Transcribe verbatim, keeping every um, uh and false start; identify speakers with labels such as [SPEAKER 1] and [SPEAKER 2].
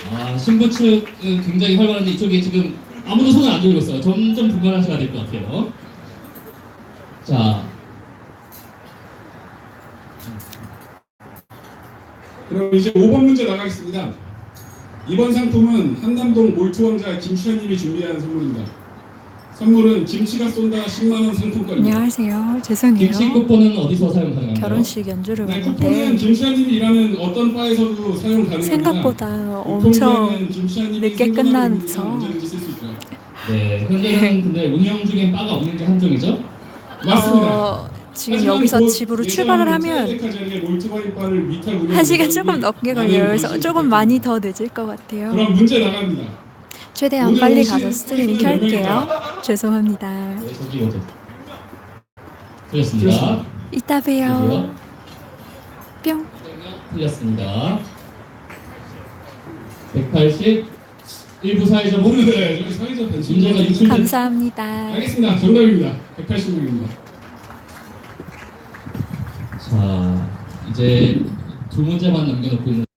[SPEAKER 1] 아, 신부 측은 굉장히 활발한데 이쪽에 지금 아무도 손을 안 들고 있어요. 점점 분발하셔야 될 것 같아요. 자,
[SPEAKER 2] 그럼 이제 오 번 문제 나가겠습니다. 이번 상품은 한남동 몰트왕자 김추현님이 준비한 선물입니다. 선물은 김치가 쏜다 십만 원 상품권입니다.
[SPEAKER 3] 안녕하세요. 죄송해요.
[SPEAKER 1] 김치 쿠폰은 어디서 사용 가능한가요?
[SPEAKER 3] 결혼식 연주를
[SPEAKER 2] 네,
[SPEAKER 3] 왔는데
[SPEAKER 2] 쿠폰은 김추현님이 일하는 어떤 바에서도 사용 가능합니다.
[SPEAKER 3] 생각보다 엄청 늦게 끝나서
[SPEAKER 2] 언제든지 쓸 수 있고요.
[SPEAKER 1] 네, 현재는 근데 운영 중인 바가 없는 게 함정이죠?
[SPEAKER 2] 맞습니다.
[SPEAKER 3] 어, 지금 여기서 집으로 출발을 하면 한 시간 조금 넘게 걸려요. 그래서 조금 많이 더 늦을 것 같아요.
[SPEAKER 2] 그럼 문제 나갑니다.
[SPEAKER 3] 최대한
[SPEAKER 2] 오늘
[SPEAKER 3] 빨리
[SPEAKER 2] 오신
[SPEAKER 3] 가서 스트리밍
[SPEAKER 2] 팬분들 몇
[SPEAKER 3] 켤게요.
[SPEAKER 2] 명일까요?
[SPEAKER 3] 죄송합니다.
[SPEAKER 1] 네, 저기 어디? 틀렸습니다.
[SPEAKER 3] 이따 봬요. 뿅.
[SPEAKER 1] 틀렸습니다. 백팔십, 일부 사회적
[SPEAKER 2] 오늘
[SPEAKER 1] 문제.
[SPEAKER 2] 네, 저희 사회적 변칙
[SPEAKER 1] 문제가 유출된
[SPEAKER 3] 감사합니다.
[SPEAKER 2] 알겠습니다. 정답입니다. 백팔십 명입니다.
[SPEAKER 1] 자, 이제 두 문제만 남겨놓고 있는